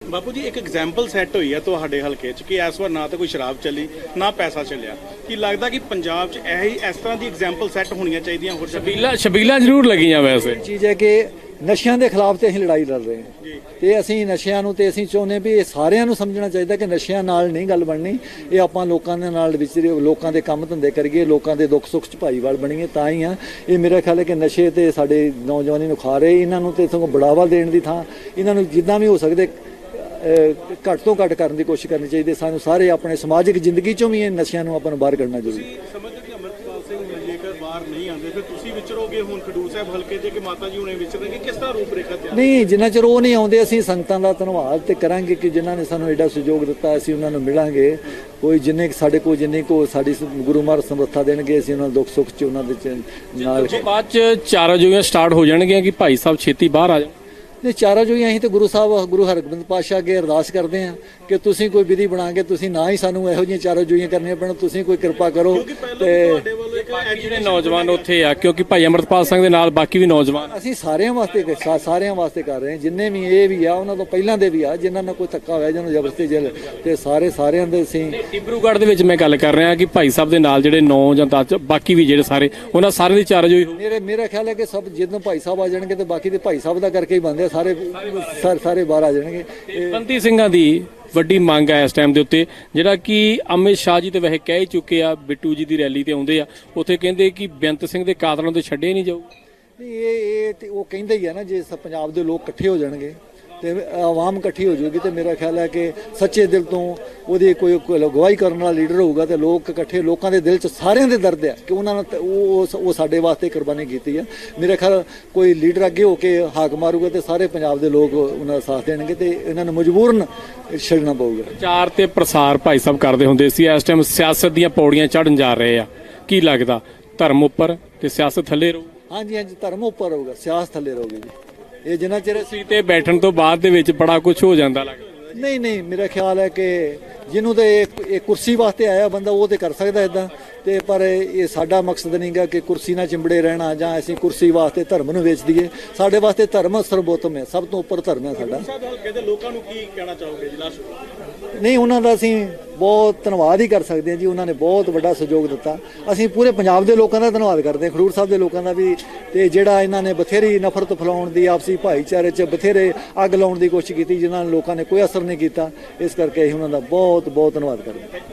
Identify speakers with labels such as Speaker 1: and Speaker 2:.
Speaker 1: ਬਾਪੂ ਜੀ, ਇੱਕ ਐਗਜ਼ਾਮਪਲ ਸੈੱਟ ਹੋਈ ਹੈ ਤੁਹਾਡੇ ਹਲਕੇ 'ਚ ਕਿ ਇਸ ਵਾਰ ਨਾ ਤਾਂ ਕੋਈ ਸ਼ਰਾਬ ਚੱਲੀ ਨਾ ਪੈਸਾ ਚੱਲਿਆ। ਕੀ ਲੱਗਦਾ ਕਿ ਪੰਜਾਬ 'ਚ ਇਸ ਤਰ੍ਹਾਂ ਦੀ ਐਗਜ਼ਾਮਪਲ ਸੈੱਟ ਹੋਣੀਆਂ ਚਾਹੀਦੀਆਂ? ਹੋਰ
Speaker 2: ਛਬੀਲਾਂ ਜ਼ਰੂਰ ਲੱਗੀਆਂ। ਵੈਸੇ
Speaker 3: ਚੀਜ਼ ਹੈ ਕਿ ਨਸ਼ਿਆਂ ਦੇ ਖਿਲਾਫ ਤੇ ਅਸੀਂ ਲੜਾਈ ਲੜ ਰਹੇ ਹਾਂ ਤੇ ਅਸੀਂ ਨਸ਼ਿਆਂ ਨੂੰ ਤੇ ਅਸੀਂ ਚਾਹੁੰਦੇ ਵੀ ਇਹ ਸਾਰਿਆਂ ਨੂੰ ਸਮਝਣਾ ਚਾਹੀਦਾ ਕਿ ਨਸ਼ਿਆਂ ਨਾਲ ਨਹੀਂ ਗੱਲ ਬਣਨੀ। ਇਹ ਆਪਾਂ ਲੋਕਾਂ ਦੇ ਨਾਲ ਵਿਚਰੇ, ਲੋਕਾਂ ਦੇ ਕੰਮ ਧੰਦੇ ਕਰੀਏ, ਲੋਕਾਂ ਦੇ ਦੁੱਖ ਸੁੱਖ 'ਚ ਭਾਈਵਾਲ ਬਣੀਏ, ਤਾਂ ਹੀ ਆ। ਇਹ ਮੇਰਾ ਖਿਆਲ ਹੈ ਕਿ ਨਸ਼ੇ ਤੇ ਸਾਡੇ ਨੌਜਵਾਨੀ ਨੂੰ ਖਾ ਰਹੇ, ਇਹਨਾਂ ਨੂੰ ਤੇ ਸਗੋਂ ਬੜਾਵਾ ਦੇਣ ਦੀ ਥਾਂ ਇਹਨਾਂ ਨੂੰ ਜਿੱਦਾਂ ਵੀ ਹੋ ਸਕਦੇ ਘੱਟ ਤੋਂ ਘੱਟ ਕਰਨ ਦੀ ਕੋਸ਼ਿਸ਼ ਕਰਨੀ ਚਾਹੀਦੀ। ਸਾਨੂੰ ਸਾਰੇ ਆਪਣੇ ਸਮਾਜਿਕ ਜ਼ਿੰਦਗੀ 'ਚੋਂ ਵੀ ਇਹ ਨਸ਼ਿਆਂ ਨੂੰ ਆਪਾਂ ਨੂੰ ਬਾਹਰ ਕੱਢਣਾ ਜ਼ਰੂਰੀ ਹੈ।
Speaker 1: ਸਮਝਦੇ ਕਿ ਅਮਰਪਾਲ ਸਿੰਘ ਜੇਕਰ ਬਾਹਰ ਨਹੀਂ ਆਉਂਦੇ ਫਿਰ ਤੁਸੀਂ ਵਿਚਰੋਗੇ ਹੁਣ ਖਡੂਰ ਸਾਹਿਬ ਹਲਕੇ 'ਚ ਕਿ ਮਾਤਾ ਜੀ ਹੁਣੇ ਵਿਚਰਨਗੇ? ਕਿਸ ਤਰ੍ਹਾਂ ਰੂਪਰੇਖਾ ਤਿਆਰ?
Speaker 3: ਨਹੀਂ, ਜਿੰਨਾ ਚਿਰ ਉਹ ਨਹੀਂ ਆਉਂਦੇ ਅਸੀਂ ਸੰਗਤਾਂ ਦਾ ਧੰਨਵਾਦ ਤੇ ਕਰਾਂਗੇ ਕਿ ਜਿਨ੍ਹਾਂ ਨੇ ਸਾਨੂੰ ਐਡਾ ਸਹਿਯੋਗ ਦਿੱਤਾ। ਅਸੀਂ ਉਹਨਾਂ ਨੂੰ ਮਿਲਾਂਗੇ, ਕੋਈ ਜਿੰਨੇ ਸਾਡੇ ਕੋਲ ਜਿੰਨੀ ਕੋ ਸਾਡੀ ਗੁਰੂ ਮਹਾਰਾਜ ਸਮਰੱਥਾ ਦੇਣਗੇ ਅਸੀਂ ਉਹਨਾਂ ਨੂੰ ਦੁੱਖ ਸੁੱਖ 'ਚ ਉਹਨਾਂ ਦੇ ਨਾਲ।
Speaker 2: ਬਾਅਦ 'ਚ ਚਾਰਾਂ ਜੋਈਆਂ ਸਟਾਰਟ ਹੋ ਜਾਣਗੀਆਂ ਕਿ ਭਾਈ ਸਾਹਿਬ ਛੇਤੀ ਬਾਹਰ ਆ ਜਾਣ।
Speaker 3: ਨੇ ਚਾਰਾਂ ਜੋ ਅਸੀਂ ਤੇ ਗੁਰੂ ਹਰਗੋਬਿੰਦ ਪਾਤਸ਼ਾਹ ਅੱਗੇ ਅਰਦਾਸ ਕਰਦੇ ਹਾਂ ਕਿ ਤੁਸੀਂ ਕੋਈ ਵਿਧੀ ਬਣਾ ਕੇ ਤੁਸੀਂ ਨਾ ਹੀ ਸਾਨੂੰ ਇਹੋ ਜਿਹੀਆਂ ਚਾਰਾਂ ਜੋਈਆਂ ਕਰਨੀਆਂ ਪੈਣ, ਤੁਸੀਂ ਕੋਈ ਕਿਰਪਾ ਕਰੋ। ਤੇ
Speaker 2: ਜਿਹੜੇ ਨੌਜਵਾਨ ਉੱਥੇ ਆ, ਕਿਉਂਕਿ ਭਾਈ ਅਮਰਪਾਲ ਸਿੰਘ ਦੇ ਨਾਲ ਬਾਕੀ ਵੀ ਨੌਜਵਾਨ
Speaker 3: ਅਸੀਂ ਸਾਰਿਆਂ ਵਾਸਤੇ ਕਰ ਰਹੇ ਹਾਂ। ਜਿੰਨੇ ਵੀ ਇਹ ਵੀ ਆ ਉਹਨਾਂ ਤੋਂ ਪਹਿਲਾਂ ਦੇ ਵੀ ਆ ਜਿਨ੍ਹਾਂ ਨਾਲ ਕੋਈ ਧੱਕਾ ਹੋਇਆ, ਜਿਹਨੂੰ ਜ਼ਬਰਦਸਤੀ ਜੇਲ੍ਹ ਤੇ ਸਾਰਿਆਂ ਦੇ ਅਸੀਂ।
Speaker 2: ਡਿਬਰੂਗੜ੍ਹ ਦੇ ਵਿੱਚ ਮੈਂ ਗੱਲ ਕਰ ਰਿਹਾ ਕਿ ਭਾਈ ਸਾਹਿਬ ਦੇ ਨਾਲ ਜਿਹੜੇ 9 ਜਾਂ 10 ਬਾਕੀ ਵੀ ਜਿਹੜੇ ਸਾਰੇ ਉਹਨਾਂ ਸਾਰਿਆਂ ਦੀ ਚਾਰਾਂ ਜੋਈ।
Speaker 3: ਮੇਰਾ ਖਿਆਲ ਹੈ ਕਿ ਸਭ ਜਦੋਂ ਭਾਈ ਸਾਹਿਬ ਆ ਜਾਣਗੇ ਤੇ ਬਾਕੀ ਦੇ ਭਾਈ ਸਾਹਿਬ ਦਾ ਕਰਕੇ ਹੀ ਬਣਦੇ ਸਾਰੇ ਬਾਹਰ ਆ ਜਾਣਗੇ।
Speaker 2: ਬੰਦੀ ਸਿੰਘਾਂ ਦੀ ਵੱਡੀ ਮੰਗ ਹੈ ਇਸ ਟਾਈਮ ਦੇ ਉੱਤੇ, ਜਿਹੜਾ ਕਿ ਅਮਿਤ ਸ਼ਾਹ ਜੀ ਤੇ ਵੈਸੇ ਕਹਿ ਹੀ ਚੁੱਕੇ ਆ, ਬਿੱਟੂ ਜੀ ਦੀ ਰੈਲੀ ਤੇ ਆਉਂਦੇ ਆ, ਉੱਥੇ ਕਹਿੰਦੇ ਕਿ ਬੇਅੰਤ ਸਿੰਘ ਦੇ ਕਾਤਲਾਂ ਤੋਂ ਛੱਡੇ ਨਹੀਂ ਜਾਊ।
Speaker 3: ਨਹੀਂ, ਇਹ ਤੇ ਉਹ ਕਹਿੰਦੇ ਹੀ ਆ ਨਾ, ਜੇ ਪੰਜਾਬ ਦੇ ਲੋਕ ਇਕੱਠੇ ਹੋ ਜਾਣਗੇ ਤੇ ਆਵਾਮ ਇਕੱਠੀ ਹੋ ਜਾਊਗੀ ਤੇ ਮੇਰਾ ਖਿਆਲ ਹੈ ਕਿ ਸੱਚੇ ਦਿਲ ਤੋਂ ਉਹਦੀ ਕੋਈ ਅਗਵਾਈ ਕਰਨ ਵਾਲਾ ਲੀਡਰ ਹੋਊਗਾ ਤੇ ਲੋਕ ਇਕੱਠੇ, ਲੋਕਾਂ ਦੇ ਦਿਲ 'ਚ ਸਾਰਿਆਂ ਦੇ ਦਰਦ ਹੈ ਕਿ ਉਹਨਾਂ ਨੇ ਉਹ ਸਾਡੇ ਵਾਸਤੇ ਕੁਰਬਾਨੀ ਕੀਤੀ ਆ। ਮੇਰਾ ਖਿਆਲ ਕੋਈ ਲੀਡਰ ਅੱਗੇ ਹੋ ਕੇ ਹਾਕ ਮਾਰੂਗਾ ਤੇ ਸਾਰੇ ਪੰਜਾਬ ਦੇ ਲੋਕ ਉਹਨਾਂ ਦਾ ਸਾਥ ਦੇਣਗੇ ਤੇ ਇਹਨਾਂ ਨੂੰ ਮਜਬੂਰਨ ਛੱਡਣਾ ਪਊਗਾ।
Speaker 2: ਪ੍ਰਚਾਰ ਤੇ ਪ੍ਰਸਾਰ ਭਾਈ ਸਾਹਿਬ ਕਰਦੇ ਹੁੰਦੇ ਸੀ, ਇਸ ਟਾਈਮ ਸਿਆਸਤ ਦੀਆਂ ਪੌੜੀਆਂ ਚੜ੍ਹਨ ਜਾ ਰਹੇ ਆ। ਕੀ ਲੱਗਦਾ ਧਰਮ ਉੱਪਰ ਤੇ ਸਿਆਸਤ ਥੱਲੇ ਰਹੂ?
Speaker 3: ਹਾਂਜੀ, ਧਰਮ ਉੱਪਰ ਰਹੂਗਾ, ਸਿਆਸਤ ਥੱਲੇ ਰਹੂਗੀ ਜੀ। ਇਹ ਜਿੰਨਾ ਚਿਰ
Speaker 2: ਸੀ ਤੇ ਬੈਠਣ ਤੋਂ ਬਾਅਦ ਦੇ ਵਿੱਚ ਬੜਾ ਕੁਝ ਹੋ ਜਾਂਦਾ ਲੱਗਦਾ।
Speaker 3: ਨਹੀਂ, ਮੇਰਾ ਖਿਆਲ ਹੈ ਕਿ ਜਿਹਨੂੰ ਤੇ ਇਹ ਕੁਰਸੀ ਵਾਸਤੇ ਆਇਆ ਬੰਦਾ ਉਹ ਤੇ ਕਰ ਸਕਦਾ ਇਦਾਂ ਤੇ, ਪਰ ਇਹ ਸਾਡਾ ਮਕਸਦ ਨਹੀਂਗਾ ਕਿ ਕੁਰਸੀ ਨਾਲ ਚਿੰਬੜੇ ਰਹਿਣਾ ਜਾਂ ਅਸੀਂ ਕੁਰਸੀ ਵਾਸਤੇ ਧਰਮ ਨੂੰ ਵੇਚ ਦਈਏ। ਸਾਡੇ ਵਾਸਤੇ ਧਰਮ ਸਰਵੋਤਮ ਹੈ, ਸਭ ਤੋਂ ਉੱਪਰ ਧਰਮ ਹੈ ਸਾਡਾ।
Speaker 1: ਲੋਕਾਂ ਨੂੰ ਕੀ ਕਹਿਣਾ ਚਾਹੋਗੇ ਜੀ ਲਾਸਟ?
Speaker 3: ਨਹੀਂ, ਉਹਨਾਂ ਦਾ ਅਸੀਂ ਬਹੁਤ ਧੰਨਵਾਦ ਹੀ ਕਰ ਸਕਦੇ ਹਾਂ ਜੀ, ਉਹਨਾਂ ਨੇ ਬਹੁਤ ਵੱਡਾ ਸਹਿਯੋਗ ਦਿੱਤਾ। ਅਸੀਂ ਪੂਰੇ ਪੰਜਾਬ ਦੇ ਲੋਕਾਂ ਦਾ ਧੰਨਵਾਦ ਕਰਦੇ ਹਾਂ, ਖਡੂਰ ਸਾਹਿਬ ਦੇ ਲੋਕਾਂ ਦਾ ਵੀ। ਤੇ ਜਿਹੜਾ ਇਹਨਾਂ ਨੇ ਬਥੇਰੀ ਨਫ਼ਰਤ ਫੈਲਾਉਣ ਦੀ, ਆਪਸੀ ਭਾਈਚਾਰੇ 'ਚ ਬਥੇਰੇ ਅੱਗ ਲਾਉਣ ਦੀ ਕੋਸ਼ਿਸ਼ ਕੀਤੀ, ਜਿਨ੍ਹਾਂ ਨੂੰ ਲੋਕਾਂ ਨੇ ਕੋਈ ਅਸਰ ਨਹੀਂ ਕੀਤਾ। ਇਸ ਕਰਕੇ ਅਸੀਂ ਉਹਨਾਂ ਦਾ ਬਹੁਤ ਧੰਨਵਾਦ ਕਰਦੇ ਹਾਂ।